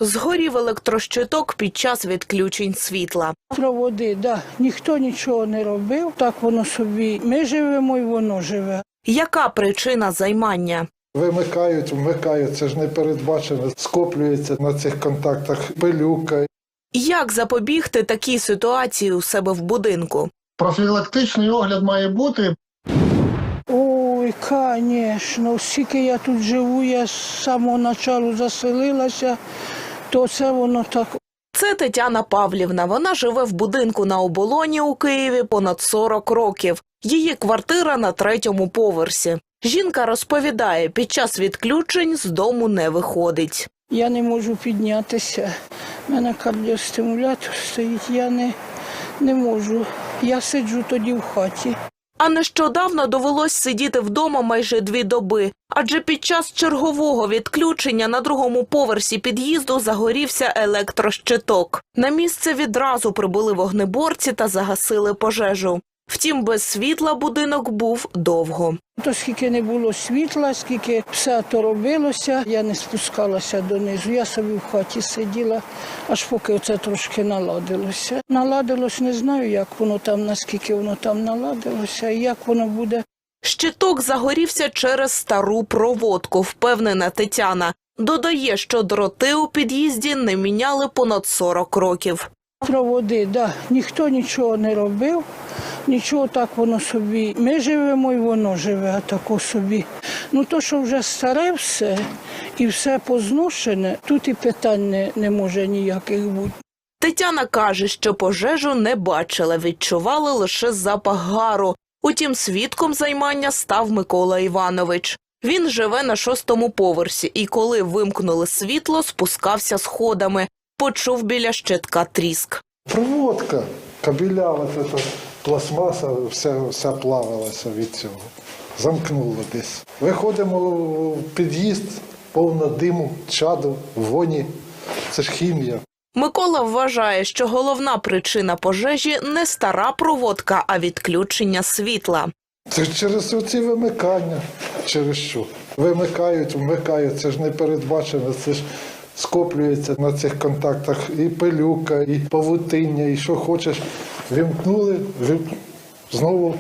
Згорів електрощиток під час відключень світла. Проводи, да. Ніхто нічого не робив, так воно собі. Ми живемо і воно живе. Яка причина займання? Вмикають, це ж не передбачено. Скоплюється на цих контактах пилюка. Як запобігти такій ситуації у себе в будинку? Профілактичний огляд має бути. Ой, звісно, скільки я тут живу, я з самого початку заселилася, то це воно так. Це Тетяна Павлівна. Вона живе в будинку на Оболоні у Києві понад 40 років. Її квартира на 3-му поверсі. Жінка розповідає, під час відключень з дому не виходить. Я не можу піднятися. У мене кардіостимулятор стоїть, я не можу. Я сиджу тоді в хаті. А нещодавно довелось сидіти вдома майже 2 доби, адже під час чергового відключення на 2-му поверсі під'їзду загорівся електрощиток. На місце відразу прибули вогнеборці та загасили пожежу. Втім, без світла будинок був довго. То скільки не було світла, скільки все то робилося, я не спускалася донизу. Я собі в хаті сиділа, аж поки це трошки наладилося. Наладилось, не знаю, як воно там, наскільки воно там наладилося і як воно буде. Щиток загорівся через стару проводку, впевнена Тетяна. Додає, що дроти у під'їзді не міняли понад 40 років. Проводи, да. Ніхто нічого не робив, нічого, так воно собі. Ми живемо і воно живе, а тако собі. Ну то, що вже старе все і все позношене, тут і питань не може ніяких бути. Тетяна каже, що пожежу не бачила, відчували лише запах гару. Утім, свідком займання став Микола Іванович. Він живе на 6-му поверсі і коли вимкнули світло, спускався сходами. Почув біля щитка тріск. Проводка, кабеля, пластмаса, все плавилося від цього. Замкнуло десь. Виходимо в під'їзд, повно диму, чаду, воні. Це ж хімія. Микола вважає, що головна причина пожежі не стара проводка, а відключення світла. Це ж через оці вимикання. Через що? Вимикають, це ж не передбачено, це ж скоплюється на цих контактах і пилюка, і павутиння, і що хочеш. Вімкнули, знову,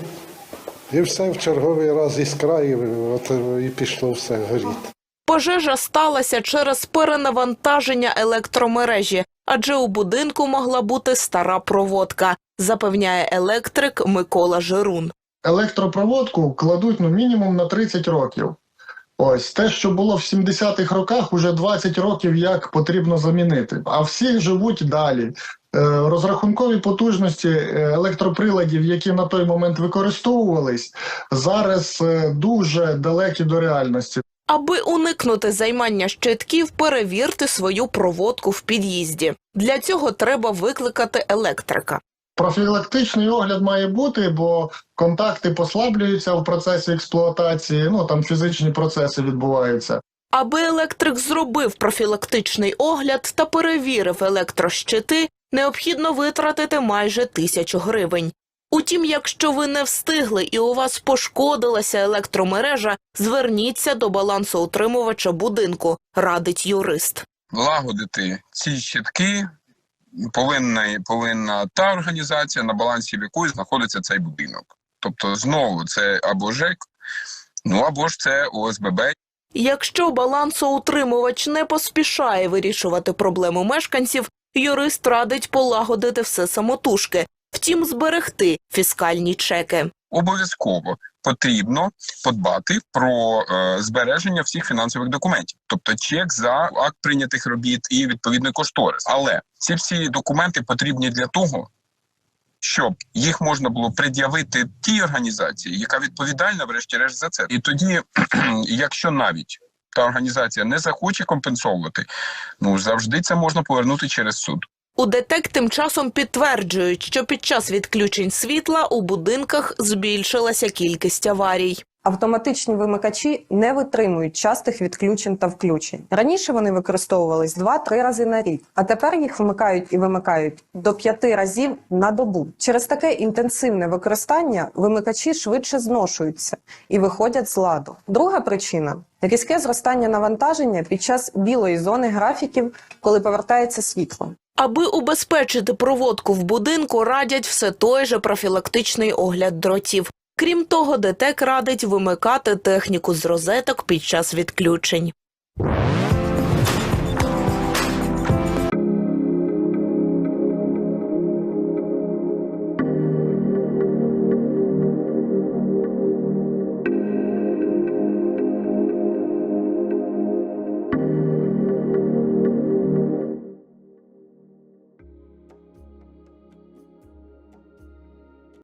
і все, в черговий раз іскра, і пішло все горіти. Пожежа сталася через перенавантаження електромережі, адже у будинку могла бути стара проводка, запевняє електрик Микола Жирун. Електропроводку кладуть мінімум на 30 років. Ось, те, що було в 70-х роках, уже 20 років як потрібно замінити. А всі живуть далі. Розрахункові потужності електроприладів, які на той момент використовувались, зараз дуже далекі до реальності. Аби уникнути займання щитків, перевірте свою проводку в під'їзді. Для цього треба викликати електрика. Профілактичний огляд має бути, бо контакти послаблюються в процесі експлуатації, там фізичні процеси відбуваються. Аби електрик зробив профілактичний огляд та перевірив електрощити, необхідно витратити майже 1000 гривень. Утім, якщо ви не встигли і у вас пошкодилася електромережа, зверніться до балансоутримувача будинку, радить юрист. Лагодити ці щитки повинна та організація, на балансі в якої знаходиться цей будинок. Тобто, знову, це або ЖЕК, або ж це ОСББ. Якщо балансоутримувач не поспішає вирішувати проблему мешканців, юрист радить полагодити все самотужки, втім зберегти фіскальні чеки. Обов'язково потрібно подбати про збереження всіх фінансових документів. Тобто чек за акт прийнятих робіт і відповідний кошторис. Але ці всі документи потрібні для того, щоб їх можна було пред'явити тій організації, яка відповідальна врешті-решт за це. І тоді, якщо навіть та організація не захоче компенсовувати, завжди це можна повернути через суд. У ДТЕК тим часом підтверджують, що під час відключень світла у будинках збільшилася кількість аварій. Автоматичні вимикачі не витримують частих відключень та включень. Раніше вони використовувались 2-3 рази на рік, а тепер їх вмикають і вимикають до 5 разів на добу. Через таке інтенсивне використання вимикачі швидше зношуються і виходять з ладу. Друга причина – різке зростання навантаження під час білої зони графіків, коли повертається світло. Аби убезпечити проводку в будинку, радять все той же профілактичний огляд дротів. Крім того, ДТЕК радить вимикати техніку з розеток під час відключень.